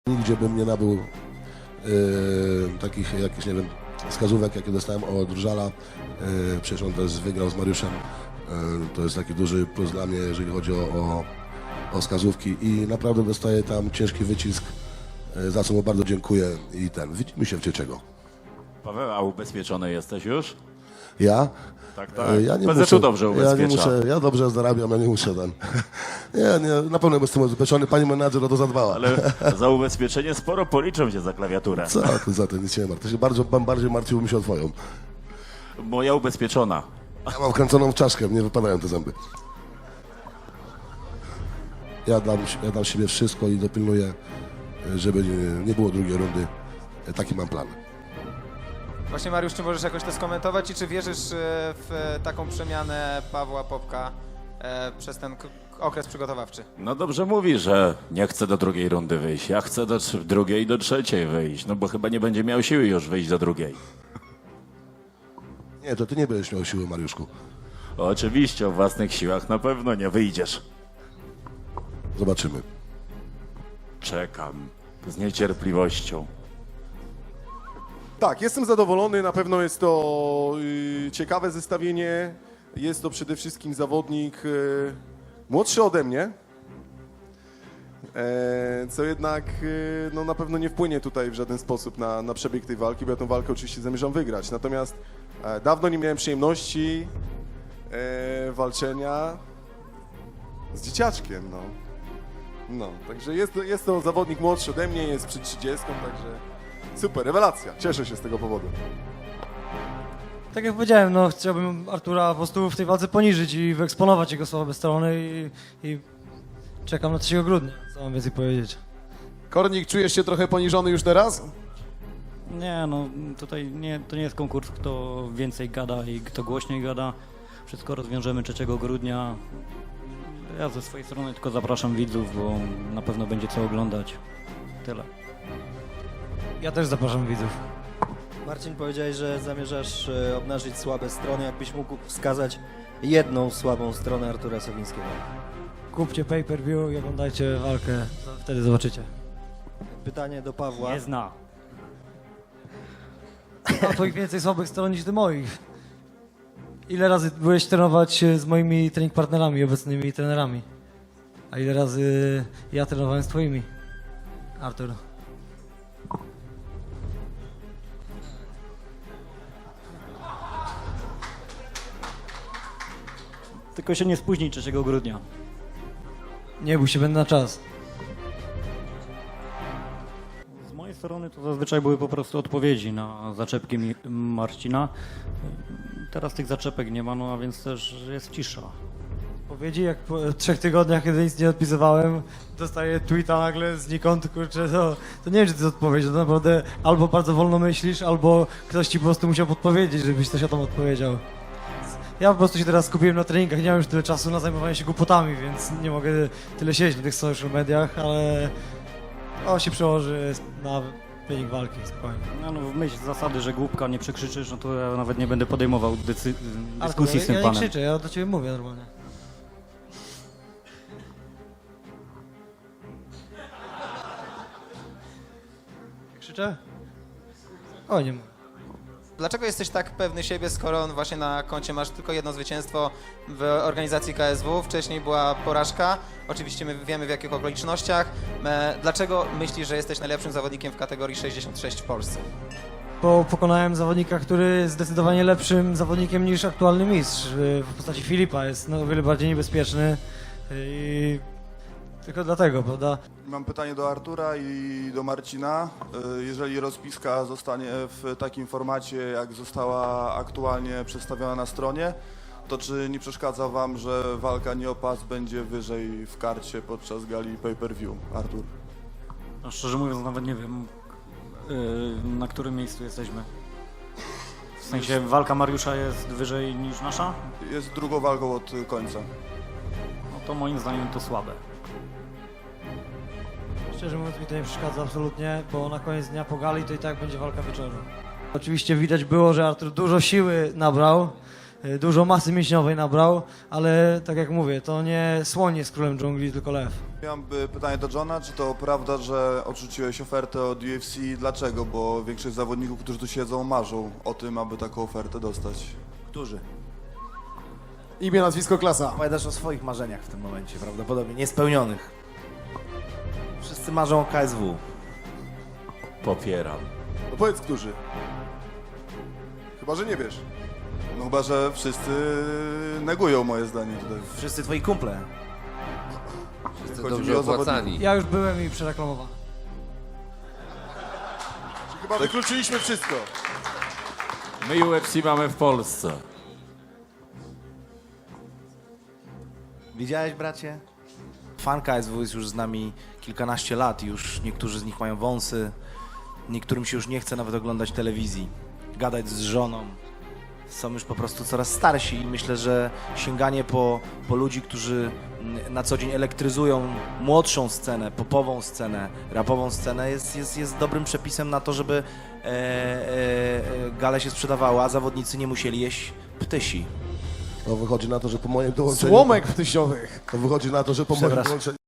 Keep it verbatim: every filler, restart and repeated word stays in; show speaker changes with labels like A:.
A: Nigdzie bym nie nabył yy, takich jakichś, nie wiem, wskazówek, jakie dostałem od Różala. Yy, przecież on też wygrał z Mariuszem. Yy, to jest taki duży plus dla mnie, jeżeli chodzi o, o, o wskazówki i naprawdę dostaję tam ciężki wycisk, yy, za co mu bardzo dziękuję i ten, widzimy się w Cieczego.
B: Paweł, a ubezpieczony jesteś już?
A: Ja?
B: Tak, tak.
A: Yy, Ja nie
B: P Z U
A: muszę,
B: dobrze
A: ja
B: ubezpiecza.
A: nie muszę, ja dobrze zarabiam, ja nie muszę ten. Nie, nie, na pewno jestem ubezpieczony, pani menadżer o to zadbała.
B: Ale za ubezpieczenie sporo policzą cię za klawiaturę.
A: Co ty za to, nic się nie martw. To się bardzo, bardziej martwiłbym się o twoją.
B: Moja ubezpieczona.
A: Ja mam wkręconą w czaszkę, nie wypadają te zęby. Ja dam, ja dam siebie wszystko i dopilnuję, żeby nie, nie było drugiej rundy. Taki mam plan.
C: Właśnie Mariusz, czy możesz jakoś to skomentować i czy wierzysz e, w taką przemianę Pawła Popka e, przez ten k- okres przygotowawczy?
B: No dobrze mówi, że nie chce do drugiej rundy wyjść. Ja chcę do trz- drugiej i do trzeciej wyjść. No bo chyba nie będzie miał siły już wyjść do drugiej.
A: Nie, to ty nie będziesz miał siły, Mariuszku.
B: Oczywiście, o własnych siłach na pewno nie wyjdziesz.
A: Zobaczymy.
B: Czekam z niecierpliwością.
D: Tak, jestem zadowolony, na pewno jest to y, ciekawe zestawienie. Jest to przede wszystkim zawodnik y, młodszy ode mnie, e, co jednak y, no, na pewno nie wpłynie tutaj w żaden sposób na, na przebieg tej walki, bo ja tę walkę oczywiście zamierzam wygrać. Natomiast e, dawno nie miałem przyjemności e, walczenia z dzieciaczkiem, no. No, także jest, jest to zawodnik młodszy ode mnie, jest przed trzydziestką, także super, rewelacja. Cieszę się z tego powodu.
E: Tak jak powiedziałem, no chciałbym Artura po prostu w tej walce poniżyć i wyeksponować jego słabe strony i, i czekam na trzeciego grudnia, co mam więcej powiedzieć.
D: Kornik, czujesz się trochę poniżony już teraz?
F: Nie, no tutaj nie, to nie jest konkurs, kto więcej gada i kto głośniej gada. Wszystko rozwiążemy trzeciego grudnia. Ja ze swojej strony tylko zapraszam widzów, bo na pewno będzie co oglądać. Tyle.
E: Ja też zapraszam widzów.
G: Marcin, powiedziałeś, że zamierzasz e, obnażyć słabe strony. Jakbyś mógł wskazać jedną słabą stronę Artura Sowińskiego?
E: Kupcie pay-per-view i oglądajcie walkę, wtedy zobaczycie.
G: Pytanie do Pawła.
F: Nie zna.
E: A twoich więcej słabych stron niż ty moich. Ile razy byłeś trenować z moimi trening partnerami, obecnymi trenerami? A ile razy ja trenowałem z twoimi? Artur.
F: Tylko się nie spóźnij trzeciego grudnia.
E: Nie bój się, będę na czas.
F: Z mojej strony to zazwyczaj były po prostu odpowiedzi na zaczepki mi- Marcina. Teraz tych zaczepek nie ma, no a więc też jest cisza.
E: Powiedzi, jak po trzech tygodniach, kiedy nic nie odpisywałem, dostaję tweeta nagle znikąd, kurczę, to, to nie wiem, czy to jest odpowiedź, to naprawdę albo bardzo wolno myślisz, albo ktoś ci po prostu musiał podpowiedzieć, żebyś coś o tym odpowiedział. Ja po prostu się teraz skupiłem na treningach, nie mam już tyle czasu na zajmowanie się głupotami, więc nie mogę tyle siedzieć na tych social mediach, ale to się przełoży na wynik walki, spokojnie.
F: No, no w myśl zasady, że głupka nie przekrzyczysz, no to ja nawet nie będę podejmował decy-
E: Artur,
F: dyskusji z tym
E: ja, ja
F: panem.
E: nie krzyczę, ja do ciebie mówię normalnie. Krzyczę? O, nie mówię.
C: Dlaczego jesteś tak pewny siebie, skoro właśnie na koncie masz tylko jedno zwycięstwo w organizacji K S W? Wcześniej była porażka, oczywiście my wiemy w jakich okolicznościach. E, Dlaczego myślisz, że jesteś najlepszym zawodnikiem w kategorii sześćdziesiąt sześć w Polsce?
E: Bo pokonałem zawodnika, który jest zdecydowanie lepszym zawodnikiem niż aktualny mistrz. W postaci Filipa jest no, o wiele bardziej niebezpieczny i tylko dlatego, prawda?
H: Mam pytanie do Artura i do Marcina. Y, Jeżeli rozpiska zostanie w takim formacie, jak została aktualnie przedstawiona na stronie, to czy nie przeszkadza wam, że walka nie o pas będzie wyżej w karcie podczas gali pay-per-view? Artur.
F: No, szczerze mówiąc, nawet nie wiem, yy, na którym miejscu jesteśmy. W sensie walka Mariusza jest wyżej niż nasza?
H: Jest drugą walką od końca.
F: No to moim zdaniem to słabe.
E: Szczerze mówiąc mi to nie przeszkadza absolutnie, bo na koniec dnia po gali to i tak będzie walka wieczoru. Oczywiście widać było, że Artur dużo siły nabrał, y, dużo masy mięśniowej nabrał, ale tak jak mówię, to nie słoń jest królem dżungli, tylko lew.
H: Mam by pytanie do Johna, czy to prawda, że odrzuciłeś ofertę od U F C? Dlaczego? Bo większość zawodników, którzy tu siedzą, marzą o tym, aby taką ofertę dostać.
I: Którzy?
D: Imię, nazwisko, klasa.
I: Opowiadasz o swoich marzeniach w tym momencie, prawdopodobnie niespełnionych. Wszyscy marzą o K S W.
B: Popieram.
D: No powiedz, którzy. Chyba, że nie wiesz.
H: No chyba, że wszyscy negują moje zdanie tutaj.
I: Wszyscy twoi kumple.
J: Wszyscy
H: Chodzi mi
J: dobrze
H: o zawodników.
J: opłacani.
E: Ja już byłem i przereklamowałem.
D: Chyba wykluczyliśmy wszystko.
B: My U F C mamy w Polsce.
I: Widziałeś, bracie? Fan K S W jest już z nami kilkanaście lat. Już niektórzy z nich mają wąsy. Niektórym się już nie chce nawet oglądać telewizji. Gadać z żoną. Są już po prostu coraz starsi i myślę, że sięganie po, po ludzi, którzy mm, na co dzień elektryzują młodszą scenę, popową scenę, rapową scenę jest, jest, jest dobrym przepisem na to, żeby e, e, e, gale się sprzedawała, a zawodnicy nie musieli jeść ptysi.
A: To wychodzi na to, że po moim dołączeniu...
D: Słomek ptysiowych.
A: To wychodzi na to, że po moim
I: Przepraszam.
A: dołączeniu...